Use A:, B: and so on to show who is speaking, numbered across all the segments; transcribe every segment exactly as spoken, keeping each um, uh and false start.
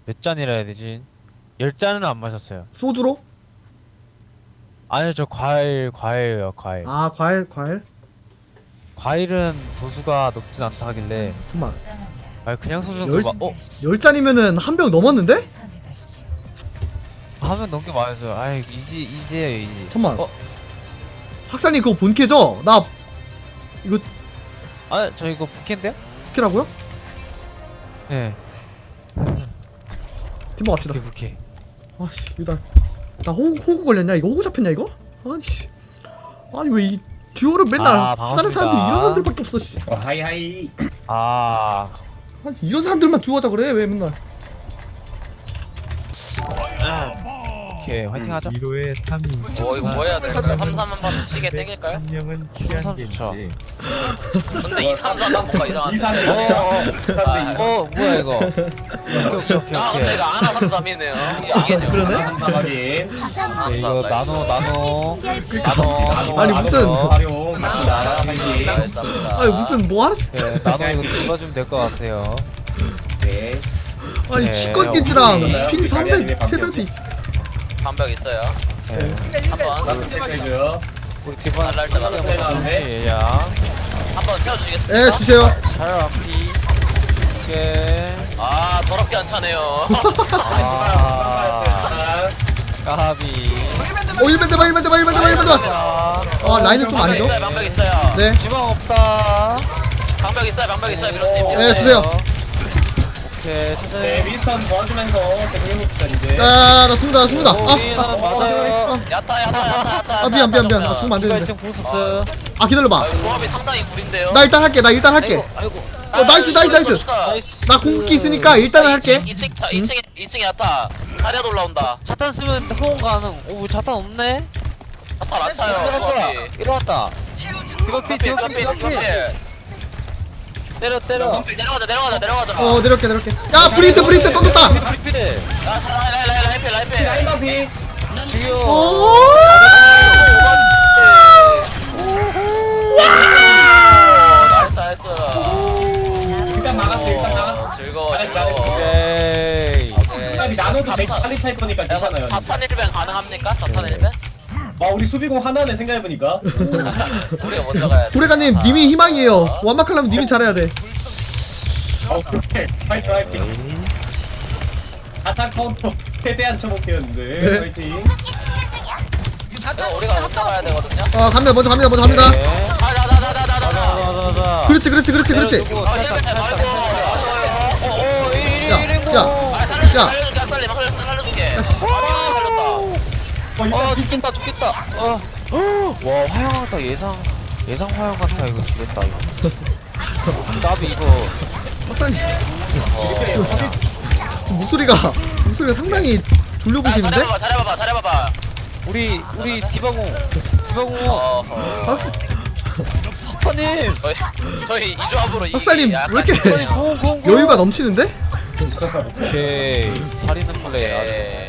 A: 몇 잔이라 해야 되지? 열 잔은 안 마셨어요.
B: 소주로?
A: 아니요, 저 과일, 과일이에요, 과일.
B: 아 과일 과일?
A: 과일은 도수가 높진 않다 하길래.
B: 잠깐만
A: 아니, 그냥 소주는
B: 열-
A: 그 막, 어?
B: 열 잔이면은 한 병 넘었는데?
A: 하면 넘게 마셔요. 아이, 이지, 이지예요, 이지.
B: 잠깐만
A: 어?
B: 학살님 그거 본캐죠? 나 이거
A: 아, 저 이거 부캐인데요?
B: 부캐라고요?
A: 네.
B: 팀버 갑시다
A: 부캐, 부캐.
B: 아씨 이거 나, 나 호구, 호구 걸렸냐 이거? 호구 잡혔냐 이거? 아니씨 아니 왜 이 듀오를 맨날
A: 아,
B: 하는
A: 반갑습니다.
B: 사람들이 이런 사람들밖에 없어 씨.
C: 어, 하이 하이.
A: 아.
B: 아니 이런 사람들만 듀오 하자 그래 왜 맨날
A: 오케이, 화이팅 하죠.
D: 일 호에 삼 인
E: 뭐 이거 뭐 해야 될까요? 삼, 삼 한번 시계 땡길까요?
D: 한 명은
A: 삼 좋죠.
D: 취향인지
E: 근데 이 삼, 사는 뭔가 이상한데
C: 이산.
A: 어, 어, 어, 뭐야, 이거. 오케이, 오케이, 오케이,
E: 아 근데
A: 오케이.
E: 이거 하나 삼, 삼이네요 이게 좀
B: 그러네?
C: 삼삼 확인.
A: 네, 이거 나노, 나노. 나노.
B: 아니, 무슨-
C: 활용 갑니다. 하이.
B: 아니 무슨 뭐 하나
A: 네, 나노 이거 눌러주면 될 것 같아요.
C: 네.
B: 아니
A: 네,
B: 치권 기지랑
C: 어,
B: 핀
C: 우리
B: 삼백
C: 가디언이
B: 세벨이
E: 반벽 있어요
A: 네.
E: 한번
C: 나도 체크해줘요.
A: 우리 디바
E: 날랄 때 날랄 때
C: 나는데?
A: 야
E: 한번 채워주시겠습니까?
B: 예 주세요
A: 잘 앞이. 오케이.
E: 아 더럽게 안 차네요
A: 아, 까비.
B: 오 일 밴 대봐 일 밴 대봐 일 밴 대봐 일 밴 대봐
A: 자,
B: 아 라인은 좀
E: 방벽
B: 아니죠?
E: 있어요 방벽 있어요
B: 네
A: 지방 없다.
E: 방벽 있어요 방벽 있어요 미로님
B: 네, 주세요.
A: 오케이,
C: 네,
A: 천천히.
C: 미스턴 도와주면서 계속 해봅시다 이제.
B: 야나 죽는다 나 죽는다
A: 오,
B: 아,
A: 위에는
B: 아,
A: 맞아요.
E: 야타 야타 야타 야타
B: 아 미안 미안 미안 나 죽으면 안
A: 디바
B: 되는데
A: 이 층 부스스.
B: 아 기다려봐
E: 아, 조합이 상당히 구린데요
B: 나 일단 할게 나 일단 할게
A: 아이고, 아이고.
B: 어 나이스 나이스 나이스
A: 나이스.
B: 나 궁극기 있으니까 일단은 할게
E: 이 층 이 층에 이 층에 야타 자리야 올라온다
A: 자탄 쓰면 호응 가능. 오, 자탄 없네.
E: 야타 안 차요 조합이
A: 일어났다. 디바 피, 디바 피,
E: 피
A: 디바 피. 때려, 때려.
E: 내려가자 내려가자 내려가자
B: 어 내려올게 내려올게 야 브리트 브리트 떴다
A: 피, 피.
E: 라이라이라이라이피 라이피
C: 라인바피.
A: 죽여.
B: 오
E: 나이스 나이스
C: 일단 막았어 일단 막았어.
E: 즐거워
C: 잘했어,
E: 즐거워
A: 오케이.
C: 그다음에 나노도 내 빨리 찰 거니까 괜찮아요.
E: 자탄 일 벤 가능합니까? 자탄 일 벤?
C: 와 우리 수비공 하나네 생각해보니까.
E: 우리가 먼저 가야 돼
B: 도레가님 님이 희망이에요 완막하려면 님이 잘해야 돼
C: 어 그래. 파이트 파이팅. 아타 카운터 최대한 쳐볼게였는데.
B: 네.
C: 파이팅.
E: 이거 우리가 먼저 가야 되거든요
B: 어 갑니다 먼저 갑니다 먼저 갑니다
E: 가자자자자자자
A: 가자.
B: 그렇지 그렇지 그렇지 그렇지
E: 아 일 벤 아이고
A: 오, 일,
B: 야,
A: 일, 일,
B: 야.
E: 아 살려줄게
B: 야.
E: 살려줄게 살려 살려 살려줄게 아 살렸다
C: 어 이거
A: 어, 죽겠다, 죽겠다. 어. 와, 화영하다. 예상, 예상 화영 같아. 이거 죽겠다, 이거. 나비 이거.
B: 박사님
C: 이렇게
B: 목소리가 목소리가 상당히
E: 아,
B: 졸려보시는데?
E: 잘해봐봐 잘해봐봐 잘해봐봐
A: 우리, 우리 디바공. 디바공.
E: 어허
B: 박,
A: 스파님.
E: 저희 저희 이 조합으로 이
B: 박사님,
E: 약간
B: 왜 이렇게
E: 이거네요.
A: 공, 공, 공.
B: 여유가 넘치는데?
A: 오케이. 살리는 플레이. 아주.
E: 예.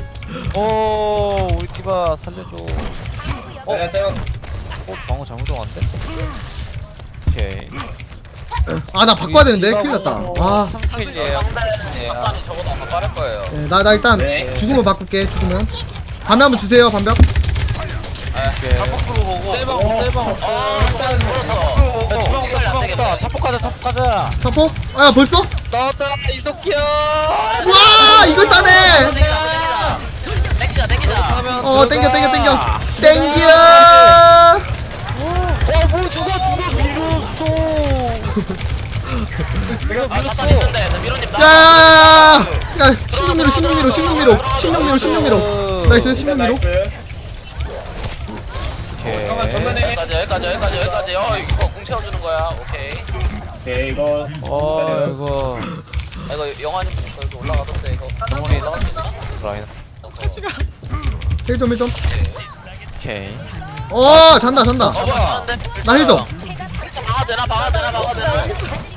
A: 오, 우리 디바 살려줘. 어,
C: 안녕하세요.
A: 어, 방어 잘못 들어갔는데? 오케이.
B: 아 나 바꿔야 되는데 큰일 났다 아
A: 상상이에요.
E: 상대 박사님 저보다 더 빠를 거예요
B: 네, 나, 나 일단
C: 네.
B: 죽으면 바꿀게 죽으면 반면 한번 주세요 반벽
E: 한국 쓰고 보고
A: 셀방, 셀방 없어.
E: 아 일단 풀었어
A: 야, 주방 없다, 주방 없다. 자폭 가자, 자폭 가자.
B: 사포? 아 벌써?
A: 나왔다, 이석기야.
B: 와 이걸 따네
E: 땡기자 땡기자
B: 어 땡겨 땡겨 땡겨 땡겨
A: 어, 뭐 누가 누가 밀었어.
E: 아 자탄 있는데 나 미로님 나
B: 야야야야 야 십육미로 십육미로 십육미로 십육미로 십육미로 나이스 십육미로
C: 나이스. 잠깐만
A: 오케이.
C: 전면에.
E: 여기까지 여기까지 여기까지 여기까지 어 이거 공 채워주는 거야 오케이
C: 오케이 이거.
A: 어, 이거
E: 아 이거 영화님 여기 올라가던데 이거
A: 영원히
E: 올라갈 수 있나?
A: 라인.
B: 힐 좀 힐좀
A: 오케이.
B: 어 잔다 잔다
E: 어 뭐야 잘하는데?
B: 나 힐 좀
E: 방아 되나 방아 되나 방아 되나 방아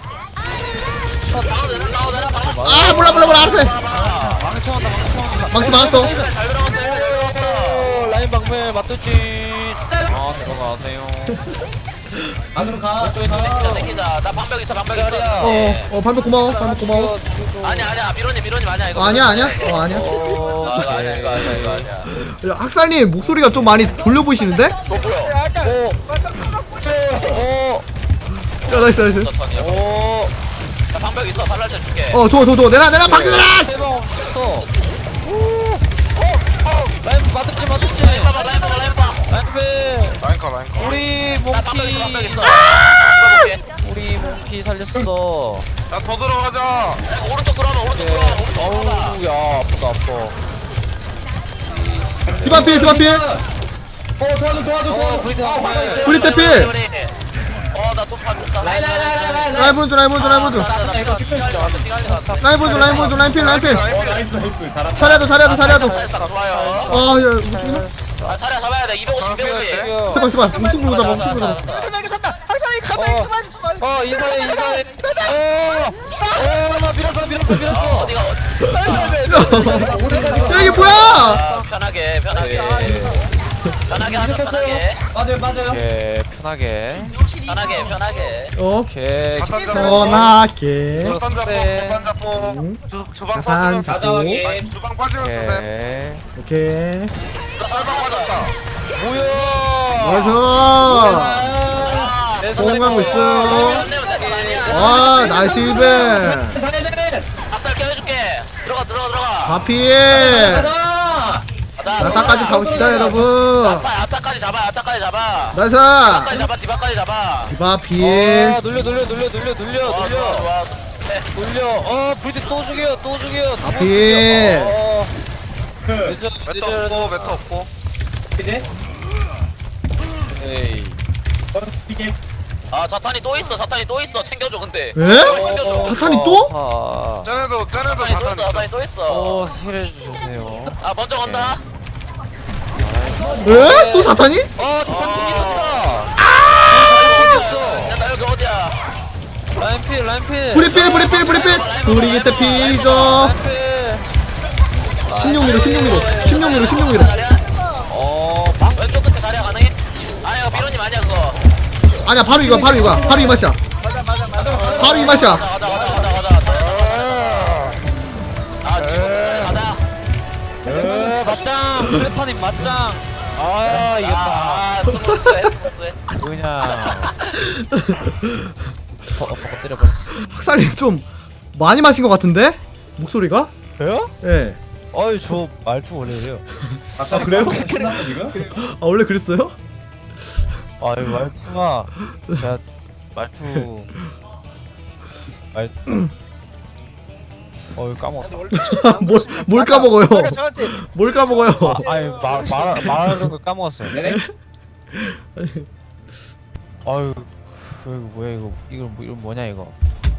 E: 되나 방아 되나 방아
B: 아 몰라 몰라 몰라 알았어 해.
A: 망쳐한다, 망쳐한다.
B: 망치 맞았어
E: 잘 들어갔어 잘 들어갔어
A: 오, 라인 방패 맞췄지. 아, 들어가세요.
C: 안으로 가.
E: 땡기자 땡기자. 나 방벽 있어 방벽 있어.
B: 어,
E: 예.
B: 어 반복 고마워 반복 고마워.
E: 아니야 아니야 미로님 미로님 아니야 이거.
B: 어, 아니야 아니야 어 아니야.
A: 어,
E: 아, 이거 아니야 이거 아니야 이거 아니야.
B: 야, 학살님 목소리가 좀 많이 졸려 보이시는데?
E: 너 뭐야?
A: 오. 오.
B: 야 나이스 나이스.
E: 턴이야.
A: 오.
E: 나 방벽 있어 발랄 때 줄게.
B: 어 좋아 좋아 좋아 내놔 내놔 박준아.
A: 대박 없어. 라인 맞았지 맞았지.
E: 라인 봐봐 라인 봐봐 라인 봐.
A: 라인
D: 라인커 라인커.
A: 우리
E: 나 방벽 있어 방벽
A: 몽키
E: 있어. 이거 볼게.
A: 우리 몽키 살렸어.
D: 야더 들어가자.
E: 야, 오른쪽 돌아봐 오른쪽 돌아봐 오른쪽 돌아봐.
A: 어우 야 아프다 아파.
B: 디바필 디바필.
C: 어 도와줘 도와줘
A: 어
C: 도와줘.
A: 브리트
C: 아,
A: 한
C: 화가
A: 번.
C: 있어.
B: 브리트 필.
E: 어나 돈 받았어.
C: 라인 라인 라인 라인 라인.
B: 라인 보여줘 라인 보여줘 라인 보여줘. 라인 보여줘 라인 보여줘 라인 필 라인 필.
C: 어 나이스 나이스 잘한다.
B: 차려도 차려도 차려도.
E: 좋아요.
B: 아야 무슨
E: 아 차례 잡아야 돼. 이백오십 이백오십.
B: 제발 제발 무슨 보자 무슨 보자.
A: 어 인사해 인사해. 어어나 밀었어 밀었어 밀었어.
E: 어디가
B: 야 이게 뭐야?
E: 아, 편하게 편하게 편하게 하자 편하게
C: 맞아요 맞아요.
A: 오케이 편하게.
E: 편하게 편하게.
B: 어
A: 오케이.
B: 편하게.
D: 주방 잡고
A: 네.
D: 주방 잡고
B: 응.
D: 주 주방
B: 자산
D: 빠지면
B: 잡고.
C: 가져가게.
D: 아니, 주방 빠지면 쓰셈.
A: 오케이.
B: 오케이.
E: 나 썰방 맞았다.
A: 뭐야?
B: 나이스. 성공하고 있어. 와 나이스 일벤.
C: 잘해.
E: 박살 껴줄게. 들어가 들어가 들어가.
B: 바피.
C: 가자.
B: 나타까지 잡읍시다 여러분.
E: 아타 아타까지 잡아 아타까지 잡아.
B: 나이스.
E: 아타까지 잡아 디바까지 잡아.
B: 바피.
A: 아 눌려 눌려 눌려 눌려 눌려
E: 좋아 좋아
A: 눌려
E: 좋아. 네.
A: 눌려. 어 브리트 또 죽여 또 죽여. 다
B: 앞이.
A: 죽여. 어,
C: 그
A: 늦어
D: 메터
A: 늦어.
D: 없고 메터 없고.
C: 이제
A: 에이.
C: 어 이게
E: 아 자탄이 또 있어 자탄이 또 있어 챙겨줘 근데.
B: 에?
E: 챙겨줘.
B: 자탄이 또?
A: 아.
D: 쟤네도 쟤네도
E: 자탄이 또
D: 자탄
E: 있어
D: 있어.
E: 자탄이 또 있어.
A: 어 힐해 주세요.
E: 아 먼저 간다.
B: 에? 또 자탄이?
A: 어 자탄 튕겼어.
E: 야 나 여기 어디야?
A: 라인필 라인필.
B: 브리필 브리필 브리필. 브리기트 필이죠.
A: 라인필.
B: 십육 미로 십육 미로 십육 미로 십육 미로.
E: 자리야?
A: 어 방.
E: 왼쪽 끝에 자리야 가능해? 아 이거 미로님 아니야 그거.
B: 아니야 바로 이거야 바로 이거야 바로 이 맛이야. 바로 이 맛이야.
E: 가자 가자 가자 가자 가자. 아 지금 가자.
A: 에 맞짱. 플래파님 맞짱. 아 이겼다.
E: 아 스무스해 스무스해.
A: 그냥. 어, 어, 때려버렸어.
B: 학살이 좀 많이 마신 것 같은데? 목소리가?
A: 왜요?
B: 예.
A: 어이 저 말투 원래 이래요.
C: 아 그래요? 끝났어 지금?
B: 아 원래 그랬어요?
A: 아이 말투가 제가 말투 말 어이 까먹었다.
B: 뭘, 뭘 까먹어요? 뭘 까먹어요?
A: 아, 아니 말, 말 말하는 걸 까먹었어요.
C: 네네.
A: 아유 그 뭐야 이거 이거 뭐 이거 뭐냐 이거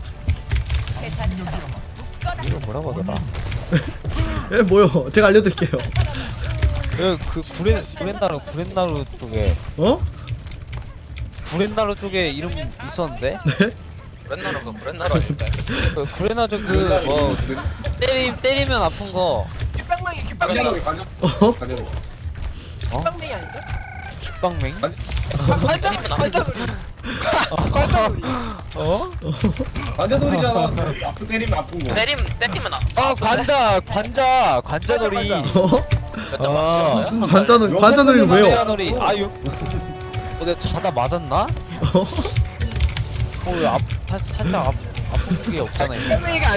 A: 이거 뭐라고 하더라?
B: 예 뭐요? 제가 알려드릴게요.
A: 그, 그 구렌 구렌나루 구렌나루 쪽에
B: 어?
A: 구렌나루 쪽에 이름 있었는데
E: 브랜나로 그 브랜나로 아닐까?
A: 그 구렌나루 그뭐 때리 때리면 아픈 거
C: 관자놀이 관자.
B: 어?
C: 관자놀이.
A: 식빵맹? 어?
C: 관자놀이잖아. 아프 때리면 아픈 거.
E: 때림 때리면 아.
A: 아 관자 관자 관자놀이.
B: 어?
A: 아
B: 관자놀이 관자놀이는 왜요?
A: 관자놀이 아유. 어 내가 자다 맞았나?
B: 어?
A: 어왜 앞 살짝 앞 아픈 게 없잖아 이거.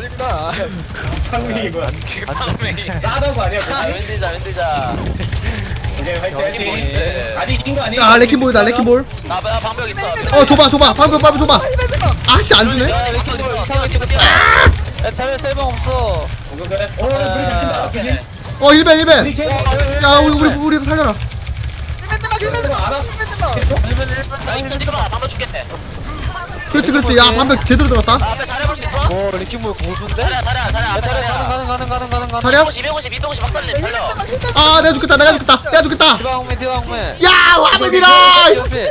C: 상민이 뭐야?
E: 방맹이.
C: 싸다고 아니야?
E: 아
C: 그치?
E: 윈디자 윈디자.
C: 이제 화이팅 화이팅.
E: 네.
C: 아니 이긴 거 아니야?
B: 아 레킹볼이다 레킹볼.
E: 나 나 방벽 있어.
B: 어 줘봐 줘봐 방금 방금 줘봐. 아씨 안 주네.
A: 야 이렇게 뭐 이상하게 뛰어. 야 자네 셀방 없어.
C: 오케이 그래. 어 둘이 다친다. 그치?
B: 어 일벤 일벤.
C: 우리 걔.
B: 야 우리 우리 우리 살려라.
C: 알아?
E: 나 입장 찍어봐 방벽 줄게.
B: 그렇지 그렇지. 야 방금 제대로 들어갔다.
E: 나 앞에 잘해볼 수 있어?
A: 뭐 리킹볼 고수인데?
E: 자리야 자리야 자리야
A: 야
E: 앞에
A: 자네
E: 자리야.
A: 가는 가는 가는 가는 가는.
B: 자리야?
E: 이백오십 이백오십 이백오십 박살님 살려.
B: 아 내가 죽겠다 내가 죽겠다 내가 죽겠다.
A: 디바홍맨 디바홍맨.
B: 야 와문이라.
A: 옆에.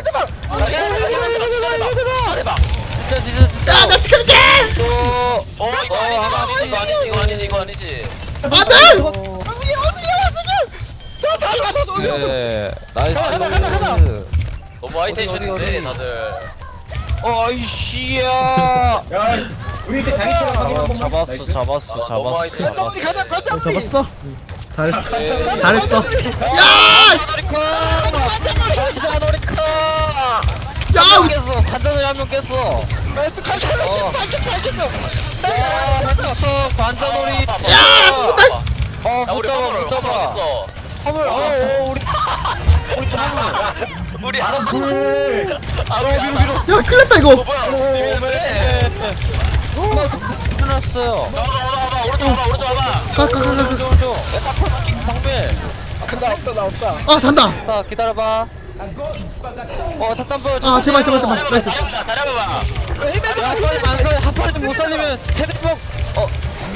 E: 잘해봐.
A: 진짜 진짜 진짜.
B: 야나 지켜줄게.
A: 또.
E: 어 이거 아니지 이거 아니지 이거 아니지 이거 아니지.
B: 안돼.
A: 네. 나이스.
E: 하이텐션인데 다들.
A: 어 아이씨야.
C: 야 우리 이때 자기 시간 확인 한
A: 어,
C: 번만.
A: 잡았어
C: 나이스.
A: 잡았어
E: 너무
A: 잡았어
E: 하이텐션.
A: 잡았어.
F: 가자 가자
B: 어, 잡았어? 잘했어.
A: 예.
B: 잘했어. 야!
A: 반자놀이카.
B: 야!
A: 한명 깼어. 반자놀이 한 명 깼어.
F: 나이스 가자
A: 어.
F: 가자 가자
A: 야 깼어. 반자놀이.
B: 야! 죽었다 씨.
A: 어
E: 야
A: 못
E: 우리
A: 잡아
E: 화물
A: 못 잡아.
E: 어딨어?
A: 화물. 어 어, 우리 우리 화물.
E: 우리
C: 바로 불.
E: 아 우리 위로 위로.
B: 야, 큰일 났다 이거.
E: 뭐야? 왜?
A: 끝났어요.
E: 나와 나와 나와 오른쪽 와봐 오른쪽 와봐.
B: 가, 가, 가, 가, 가.
A: 저저 에타폰 방밀.
F: 나 없다 나 없다
B: 아, 잔다.
A: 자 기다려봐. 어 잠깐만.
B: 아, 제발, 제발, 제발. 나이스.
E: 잘해봐 잘해봐.
A: 야, 한 번에 안 살, 한 번에 못 살리면 헤드폭. 어.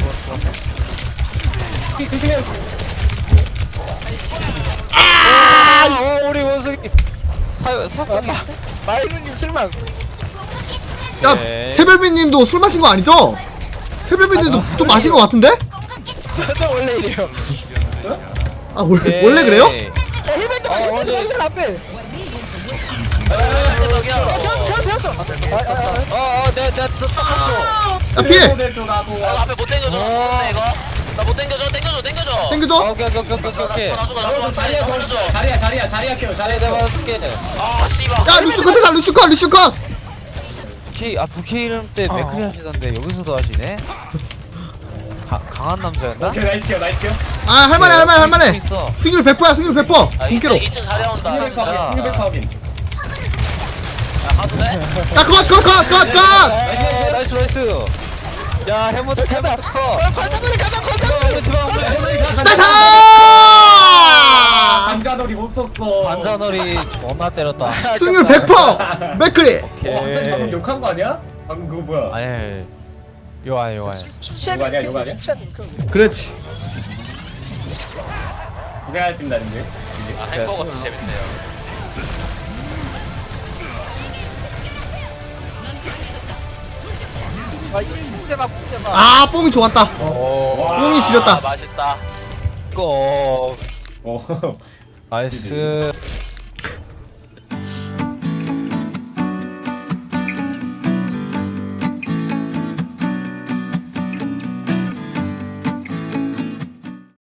A: 아! 어, 우리 원숭이 사요 사건이.
F: 마이루님 실망
B: 야,
A: 네.
B: 새별비님도 술 마신 거 아니죠? 새별비님도 좀 마신 거 같은데?
F: 저 원래 이래요
B: 아, 원,
A: 네.
B: 원래 그래요?
F: 야 힐맨도
A: 어,
F: 힐맨도
A: 어제-
F: 힐맨 앞에
E: 저기야.
F: 채웠어 채웠어
A: 어, 어, 내가 내가 떴어.
B: 야, 피해.
C: 됐어 나도.
E: 나 앞에 못 당겨줘. 죽었네 이거. 나 못 당겨줘. 당겨줘. 당겨줘.
B: 땡겨줘.
A: 오케이, 오케이, 오케이, 오케이, 오케이.
E: 나 죽어 나 죽어.
C: 자리야
E: 나
C: 더
E: 죽어.
C: 자리야 자리야 자리야 켜 자리야
A: 내가
C: 켜.
A: 봐줄게.
E: 아 씨발.
B: 야, 루슈 컷, 루슈 컷, 루슈 컷.
A: 부케, 아 부케 이름 때 맥크리 하시던데 여기서도 하시네. 가, 강한 남자였나?
C: 오케이 나이스 켜 나이스 켜.
B: 아, 할만해, 할만해, 할만해.
A: 있어.
B: 승률 백 퍼야, 승률 백 퍼.
E: 아
B: 공개로.
E: 이층 이층 자리 온다.
C: 스니백
E: 진짜.
C: 파워긴 스니백 파워긴.
E: 야 가도 돼?
B: 야, 컷, 컷, 컷, 컷, 컷.
A: 나이스, 나이스, 나이스. 야, 해모드 해모드 커.
F: 관자놀이 가자 관자놀이
A: 오늘 지방
B: 나가!
C: 반자놀이 못 썼어.
A: 반자놀이 존나 때렸다.
B: 승률 백 퍼. 맥크리.
A: 오케이.
C: 어, 학생이 방금 욕한 거 아니야? 방금 그거 뭐야?
A: 아니, 요 아니, 요 아니.
C: 이거 아니야, 이거 아니야?
B: 그렇지.
C: 고생하셨습니다, 님들.
E: 아 행거 같이 재밌네요.
F: 아 이때만 국대만
B: 아, 뽕이 좋았다. 뽕이
E: 아
B: 지렸다.
E: 맛있다.
A: 고.
C: 어.
A: 나이스.